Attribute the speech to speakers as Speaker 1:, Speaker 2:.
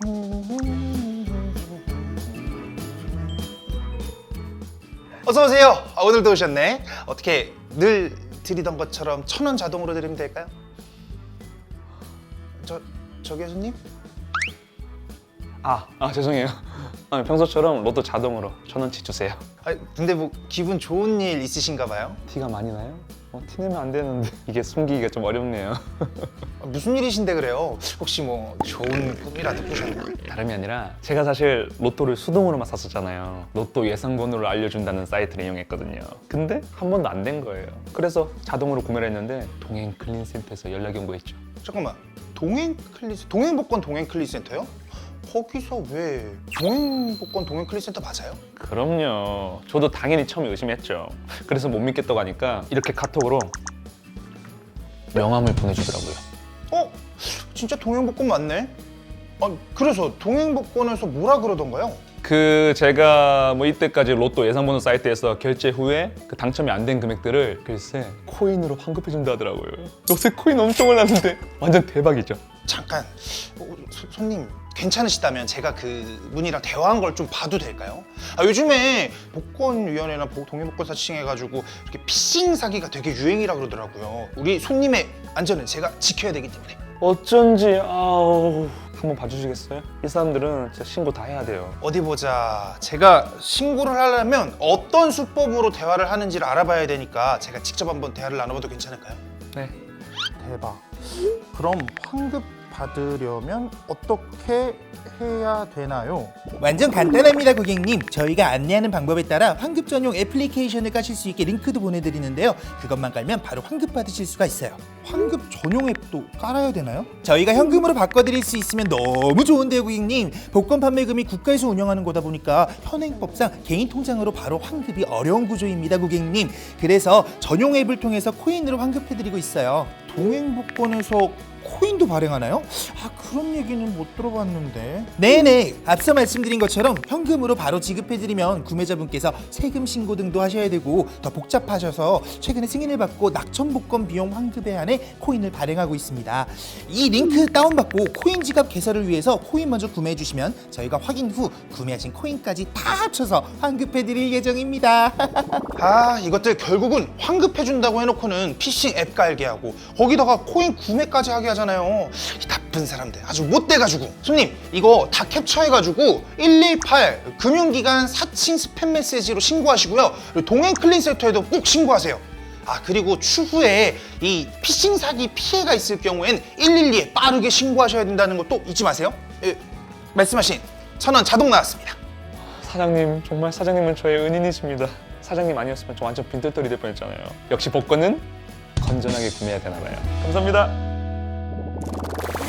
Speaker 1: 어서 오세요. 오늘도 오셨네. 어떻게 늘 드리던 것처럼 1,000원 자동으로 드리면 될까요? 저기 손님?
Speaker 2: 죄송해요. 평소처럼 로또 자동으로 1,000원치 주세요.
Speaker 1: 근데 뭐 기분 좋은 일 있으신가 봐요?
Speaker 2: 티가 많이 나요? 티내면 안 되는데 이게 숨기기가 좀 어렵네요.
Speaker 1: 무슨 일이신데 그래요? 혹시 뭐 좋은 꿈이라도 꾸셨나?
Speaker 2: 다름이 아니라 제가 사실 로또를 수동으로만 샀었잖아요. 로또 예상번호를 알려준다는 사이트를 이용했거든요. 근데 한 번도 안 된 거예요. 그래서 자동으로 구매를 했는데 동행 클린센터에서 연락이 온 거 있죠.
Speaker 1: 잠깐만, 동행복권 동행클리센터요? 거기서 왜 동행복권 동행클리센터 맞아요?
Speaker 2: 그럼요. 저도 당연히 처음에 의심했죠. 그래서 못 믿겠다고 하니까 이렇게 카톡으로 명함을 보내주더라고요.
Speaker 1: 진짜 동행복권 맞네? 그래서 동행복권에서 뭐라 그러던가요?
Speaker 2: 제가 이때까지 로또 예상번호 사이트에서 결제 후에 당첨이 안 된 금액들을 글쎄 코인으로 환급해준다 하더라고요. 요새 코인 엄청 올랐는데 완전 대박이죠.
Speaker 1: 잠깐, 손님 괜찮으시다면 제가 그분이랑 대화한 걸 좀 봐도 될까요? 요즘에 복권위원회나 동행복권 사칭해가지고 이렇게 피싱 사기가 되게 유행이라 그러더라고요. 우리 손님의 안전은 제가 지켜야 되기 때문에.
Speaker 2: 어쩐지 한번 봐주시겠어요? 이 사람들은 진짜 신고 다 해야 돼요.
Speaker 1: 어디 보자. 제가 신고를 하려면 어떤 수법으로 대화를 하는지를 알아봐야 되니까 제가 직접 한번 대화를 나눠봐도 괜찮을까요?
Speaker 2: 네.
Speaker 1: 대박. 그럼 환급 받으려면 어떻게 해야 되나요?
Speaker 3: 완전 간단합니다, 고객님. 저희가 안내하는 방법에 따라 환급 전용 애플리케이션을 까실 수 있게 링크도 보내드리는데요. 그것만 깔면 바로 환급 받으실 수가 있어요.
Speaker 1: 환급 전용 앱도 깔아야 되나요?
Speaker 3: 저희가 현금으로 바꿔드릴 수 있으면 너무 좋은데요, 고객님. 복권 판매금이 국가에서 운영하는 거다 보니까 현행법상 개인 통장으로 바로 환급이 어려운 구조입니다, 고객님. 그래서 전용 앱을 통해서 코인으로 환급해드리고 있어요.
Speaker 1: 동행복권에서 코인도 발행하나요? 그런 얘기는 못 들어봤는데.
Speaker 3: 네네, 앞서 말씀드린 것처럼 현금으로 바로 지급해드리면 구매자분께서 세금 신고 등도 하셔야 되고 더 복잡하셔서 최근에 승인을 받고 낙천복권 비용 환급에 한해 코인을 발행하고 있습니다. 이 링크 다운받고 코인 지갑 개설을 위해서 코인 먼저 구매해주시면 저희가 확인 후 구매하신 코인까지 다 합쳐서 환급해드릴 예정입니다.
Speaker 1: 이것들 결국은 환급해준다고 해놓고는 피싱 앱 깔게 하고 거기다가 코인 구매까지 하게 하잖아요. 이 나쁜 사람들 아주 못돼가지고. 손님, 이거 다 캡처해가지고 118 금융기관 사칭 스팸 메시지로 신고하시고요. 그리고 동행클린센터에도 꼭 신고하세요. 그리고 추후에 이 피싱 사기 피해가 있을 경우엔 112에 빠르게 신고하셔야 된다는 것도 잊지 마세요. 말씀하신 1,000원 자동 나왔습니다.
Speaker 2: 사장님, 정말 사장님은 저의 은인이십니다. 사장님 아니었으면 저 완전 빈털터리 될 뻔했잖아요. 역시 복권은 건전하게 구매해야 되나 봐요. 감사합니다.